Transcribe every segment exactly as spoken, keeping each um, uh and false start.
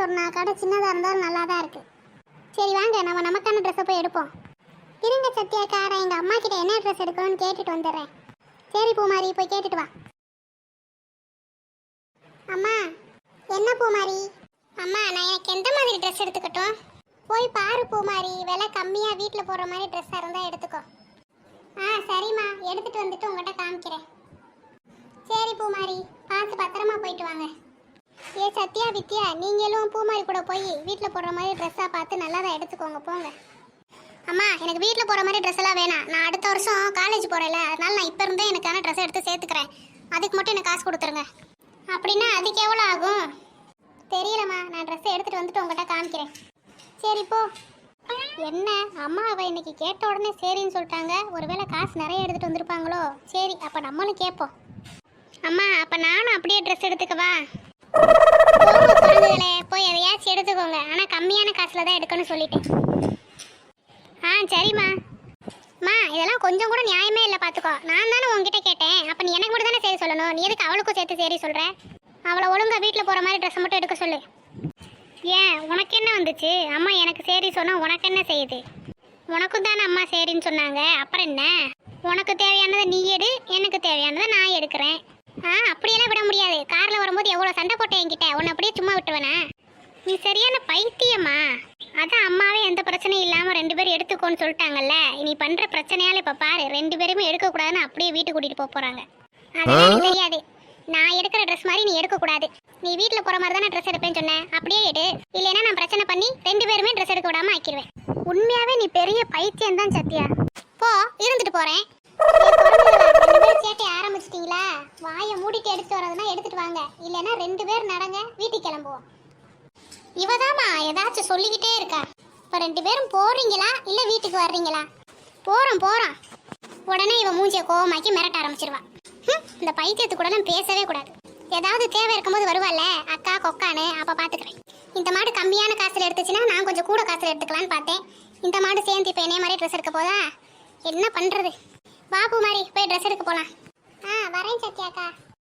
சொன்னா கடை சின்னதாக இருந்தாலும் நல்லா தான் இருக்கு. சரி வாங்க நம்ம நமக்கான ட்ரெஸ்ஸை போய் எடுப்போம். இருங்க சத்யாக்கா, நான் எங்கள் அம்மா கிட்ட என்ன ட்ரெஸ் எடுக்கணும்னு கேட்டுட்டு வந்துடுறேன். சரி பூமாரி, போய் கேட்டுட்டு வா. அம்மா என்ன பூமாரி? அம்மா நான் எனக்கு எந்த மாதிரி ட்ரெஸ் எடுத்துக்கட்டும்? போய் பாரு பூமாரி, விலை கம்மியாக வீட்டில் போடுற மாதிரி ட்ரெஸ்ஸாக இருந்தால் எடுத்துக்கோ. ஆ சரிம்மா, எடுத்துகிட்டு வந்துட்டு உங்கள்கிட்ட காமிக்கிறேன். சரி பூமாரி, பார்த்து பத்திரமா போயிட்டு வாங்க. ஏ சத்யா வித்யா, நீங்களும் பூமாரி கூட போய் வீட்டில் போடுற மாதிரி ட்ரெஸ்ஸாக பார்த்து நல்லா தான் எடுத்துக்கோங்க, போங்க. அம்மா எனக்கு வீட்டில் போகிற மாதிரி ட்ரெஸ் எல்லாம் வேணாம். நான் அடுத்த வருஷம் காலேஜ் போகிறேன்ல, அதனால நான் இப்போ இருந்தே எனக்கான ட்ரெஸ் எடுத்து சேர்த்துக்கிறேன். அதுக்கு மட்டும் எனக்கு காசு கொடுத்துருங்க. அப்படின்னா அதுக்கு எவ்வளோ ஆகும்? தெரியலம்மா, நான் ட்ரெஸ்ஸை எடுத்துகிட்டு வந்துட்டு உங்கள்கிட்ட காமிக்கிறேன். சரி போ. என்ன அம்மா அவள் இன்னைக்கு கேட்ட உடனே சரின்னு சொல்லிட்டாங்க. ஒருவேளை காசு நிறைய எடுத்துகிட்டு வந்திருப்பாங்களோ? சரி அப்போ நம்மளும் கேட்போம். அம்மா அப்போ நானும் அப்படியே ட்ரெஸ் எடுத்துக்கவா? குழந்தைகளே போய் எதையாச்சும் எடுத்துக்கோங்க, ஆனால் கம்மியான காசில் தான் எடுக்கணும்னு சொல்லிட்டேன். ஆ சரிம்மா. அம்மா இதெல்லாம் கொஞ்சம் கூட நியாயமே இல்லை, பார்த்துக்கோ. நான் தானே உங்ககிட்ட கேட்டேன், அப்போ நீ எனக்கு மட்டும் தானே சரி சொல்லணும். நீ எதுக்கு அவளுக்கும் சேர்த்து சரி சொல்கிற? அவளை ஒழுங்காக வீட்டில் போகிற மாதிரி ட்ரெஸ்ஸை மட்டும் எடுக்க சொல்லு. ஏன் உனக்கு என்ன வந்துச்சு? அம்மா எனக்கு சரி சொன்னால் உனக்கு என்ன செய்யுது? உனக்கும் தானே அம்மா சரின்னு சொன்னாங்க, அப்புறம் என்ன? உனக்கு தேவையானதை நீ எடு, எனக்கு தேவையானதை நான் எடுக்கிறேன். ஆ அப்படியெல்லாம் விட முடியாது. காரில் வரும்போது எவ்வளோ சண்டை போட்டேன் என்கிட்ட, உன்னை அப்படியே சும்மா விட்டுவேனா? நீ சரியான பைத்தியம்மா. அதான் அம்மாவே எந்த பிரச்சனையும் இல்லாமல் ரெண்டு பேரும் எடுத்துக்கோன்னு சொல்லிட்டாங்கல்ல. நீ பண்ணுற பிரச்சனையால் இப்போ பாரு, ரெண்டு பேருமே எடுக்கக்கூடாதுன்னு அப்படியே வீட்டுக்கு கூட்டிகிட்டு போக போகிறாங்க. அதெல்லாம் எனக்கு தெரியாது. நான் எடுக்கிற ட்ரெஸ் மாதிரி நீ எடுக்கக்கூடாது. நீ வீட்டில் போகிற மாதிரி தானே ட்ரெஸ் எடுப்பேன்னு சொன்னேன், அப்படியே எடு. இல்லைன்னா நான் பிரச்சனை பண்ணி ரெண்டு பேருமே ட்ரெஸ் எடுக்க விடாமல் ஆக்கிடுவேன். உண்மையாகவே நீ பெரிய பைத்தியம் தான் சத்யா. போ, இருந்துட்டு போகிறேன். ரெண்டு பேரும் சேட்டை ஆரம்பிச்சிட்டிங்களா? வாயை மூடிட்டு எடுத்துட்டு வரதுன்னா எடுத்துட்டு வாங்க, இல்லைன்னா ரெண்டு பேர் நடங்க, வீட்டுக்கு கிளம்புவோம். இவதாம்மா ஏதாச்சும் சொல்லிக்கிட்டே இருக்கா. இப்போ ரெண்டு பேரும் போறீங்களா இல்லை வீட்டுக்கு வர்றீங்களா? போகிறோம் போகிறோம். உடனே இவன் மூஞ்சியை கோவமாக்கி மிரட்ட ஆரம்பிச்சிருவா. இந்த பைத்தியத்து கூடலாம் பேசவே கூடாது. ஏதாவது தேவை இருக்கும்போது வருவாள்ல அக்கா கொக்கானு, அப்போ பார்த்துக்கிறேன். இந்த மாடு கம்மியான காசில் எடுத்துச்சுன்னா நான் கொஞ்சம் கூட காசில் எடுத்துக்கலான்னு பார்த்தேன். இந்த மாடு சேர்ந்து இப்போ என்னைய மாதிரி ட்ரெஸ் எடுக்க போதா? என்ன பண்ணுறது? பாபு மாதிரி போய் ட்ரெஸ் எடுக்க போகலாம். ஆ வரேன் சத்யாக்கா.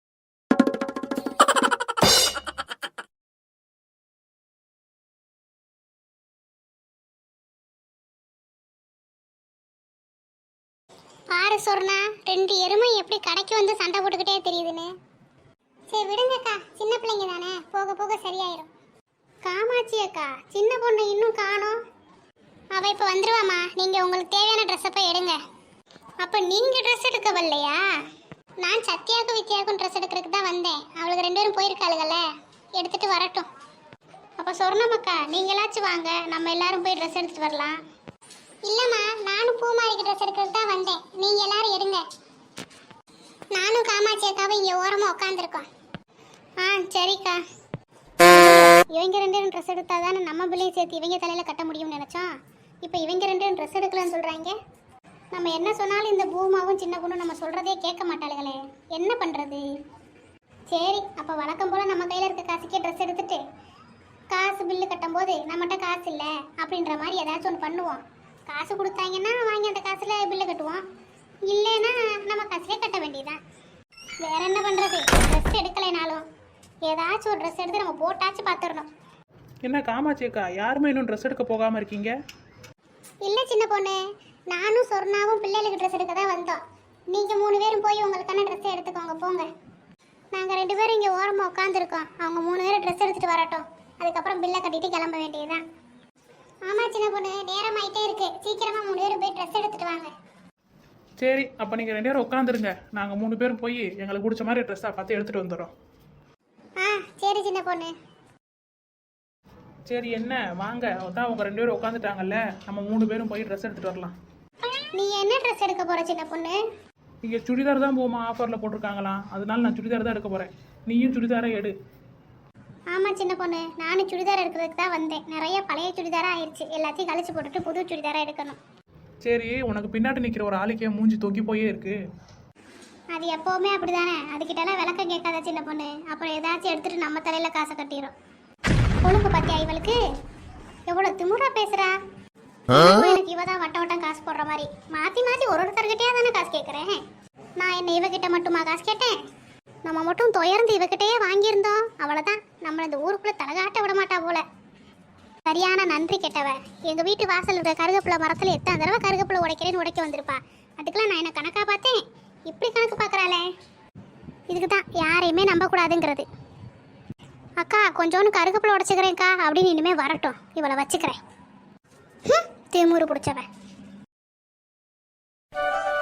பாரு சொர்ணா, ரெண்டு எருமை எப்படி கடைக்கு வந்து சண்டை போட்டுக்கிட்டே தெரியுதுன்னு. சரி விடுங்கக்கா, சின்ன பிள்ளைங்க தானே, போக போக சரியாயிரும். காமாட்சி அக்கா, சின்ன பொண்ணு இன்னும் காணோம். அவள் இப்போ வந்துடுவாம்மா. நீங்கள் உங்களுக்கு தேவையான ட்ரெஸ்ஸை போய் எடுங்க. அப்போ நீங்கள் ட்ரெஸ் எடுக்க வரலையா? நான் சத்யாவுக்கும் வித்யாவுக்கும் ட்ரெஸ் எடுக்கிறதுக்கு தான் வந்தேன். அவளுக்கு ரெண்டு பேரும் போயிருக்காளுகள்ல, எடுத்துகிட்டு வரட்டும். அப்போ சொர்ணமக்கா நீங்களாச்சும் வாங்க, நம்ம எல்லாரும் போய் ட்ரெஸ் எடுத்துகிட்டு வரலாம். இல்லைம்மா, நானும் பூமாரிக்கு ட்ரெஸ் எடுக்கிறதுக்கு தான் வந்தேன். நீங்கள் எல்லாரும் எடுங்க. நானும் காமாட்சி அக்காவும் இங்கே ஓரமாக உட்காந்துருக்கோம். ஆ சரிக்கா. இவங்க ரெண்டு பேரும் ட்ரெஸ் எடுத்தா தானே நம்ம பிள்ளையும் சேர்த்து இவங்க தலையில் கட்ட முடியும்னு நினச்சோம். இப்போ இவங்க ரெண்டு பேரும் ட்ரெஸ் எடுக்கலன்னு சொல்கிறாங்க. நம்ம என்ன சொன்னாலும் இந்த பூமாவும் சின்ன பொண்ணும் நம்ம சொல்கிறதே கேட்க மாட்டாளுகளே, என்ன பண்ணுறது? சரி அப்போ வழக்கம் போல் நம்ம கையில் இருக்க காசுக்கே ட்ரெஸ் எடுத்துட்டு காசு பில்லு கட்டும்போது நம்மகிட்ட காசு இல்லை அப்படின்ற மாதிரி ஏதாச்சும் ஒன்று பண்ணுவோம். காசு கொடுத்தாங்கன்னா வாங்கி அந்த காசில் பில்லு கட்டுவோம், இல்லைன்னா நம்ம காசுலேயே கட்ட வேண்டியதான். வேற என்ன பண்ணுறது? ட்ரெஸ் எடுக்கலைனாலும் ஏதாச்சும் ஒரு ட்ரெஸ் எடுத்து நம்ம போட்டாச்சும் பார்த்துடணும். என்ன காமாட்சி அக்கா, யாருமே இன்னும் ட்ரெஸ் எடுக்க போகாமல் இருக்கீங்க? இல்லை சின்ன பொண்ணு, நானும் சொர்ணாவும் பிள்ளைகளுக்கு ட்ரெஸ் எடுக்க தான் வந்தோம். நீங்கள் மூணு பேரும் போய் உங்களுக்கான ட்ரெஸ்ஸை எடுத்துக்கோங்க, போங்க. நாங்கள் ரெண்டு பேரும் இங்கே ஓரமாக உட்காந்துருக்கோம். அவங்க மூணு பேரும் ட்ரெஸ் எடுத்துகிட்டு வரட்டும், அதுக்கப்புறம் பில்லை கட்டிட்டு கிளம்ப வேண்டியதுதான். ஆமாம் சின்ன பொண்ணு, நேரம் ஆகிட்டே இருக்கு, சீக்கிரமாக மூணு பேரும் போய் ட்ரெஸ் எடுத்துகிட்டு வாங்க. சரி அப்போ நீங்கள் ரெண்டு பேரும் உட்காந்துருங்க, நாங்கள் மூணு பேரும் போய் எங்களுக்கு பிடிச்ச மாதிரி ட்ரெஸ்ஸாக பார்த்து எடுத்துகிட்டு வந்துடுறோம். ஆ சரி சின்ன பொண்ணு. சரி என்ன வாங்க, அதான் அவங்க ரெண்டு பேரும் உட்காந்துட்டாங்கல்ல, நம்ம மூணு பேரும் போய் ட்ரெஸ் எடுத்துகிட்டு வரலாம். நீ என்ன ட்ரெஸ் எடுக்க போகிற சின்ன பொண்ணு? இங்கே சுடிதார் தான் போமா, ஆஃபரில் போட்டிருக்காங்களாம், அதனால நான் சுடிதார் தான் எடுக்க போகிறேன். நீயும் சுடிதாரை எடு. ஆமாம் சின்ன பொண்ணு, நானும் சுடிதார் எடுக்கிறதுக்கு தான் வந்தேன். நிறைய பழைய சுடிதாராக ஆயிடுச்சு, எல்லாத்தையும் கழிச்சு போட்டுட்டு புது சுடிதாராக எடுக்கணும். சரி உனக்கு பின்னாடி நிற்கிற ஒரு ஆளுக்கே மூஞ்சி தொங்கி போயே இருக்கு. அது எப்போவுமே அப்படி தானே, அதுக்கிட்டலாம் விளக்கம் கேட்காத சின்ன பொண்ணு. அப்புறம் ஏதாச்சும் எடுத்துகிட்டு நம்ம தலையில் காசை கட்டிடும். ஒழுங்கு பார்த்தியா இவளுக்கு எவ்வளோ திமுறா பேசுகிறா. எனக்கு இவ தான் வட்ட வட்டம் காசு போடுற மாதிரி மாற்றி மாற்றி ஒரு ஒருத்தர்கிட்டயே தானே காசு கேட்குறேன். நான் என்ன இவகிட்ட மட்டுமா காசு கேட்டேன்? நம்ம மட்டும் துயர்ந்து இவகிட்டயே வாங்கியிருந்தோம் அவ்வளோதான், நம்மளை இந்த ஊருக்குள்ளே தலகாட்ட விட மாட்டா போல. சரியான நன்றி கெட்டவ. எங்கள் வீட்டு வாசல் இருக்கிற கருகப்பிள்ளை மரத்தில் எத்தனை தடவை கருகப்பிள்ளை உடைக்கிறேன்னு உடைக்க வந்திருப்பா. அதுக்கெல்லாம் நான் என்ன கணக்காக பார்த்தேன், இப்படி கணக்கு பார்க்குறாளே. இதுக்கு தான் யாரையுமே நம்பக்கூடாதுங்கிறது. அக்கா கொஞ்சோன்னு கருகப்பிள்ளை உடச்சிக்கிறேன்க்கா அப்படின்னு இனிமேல் வரட்டும், இவளை வச்சுக்கிறேன். திமுரு பிடிச்சவன்.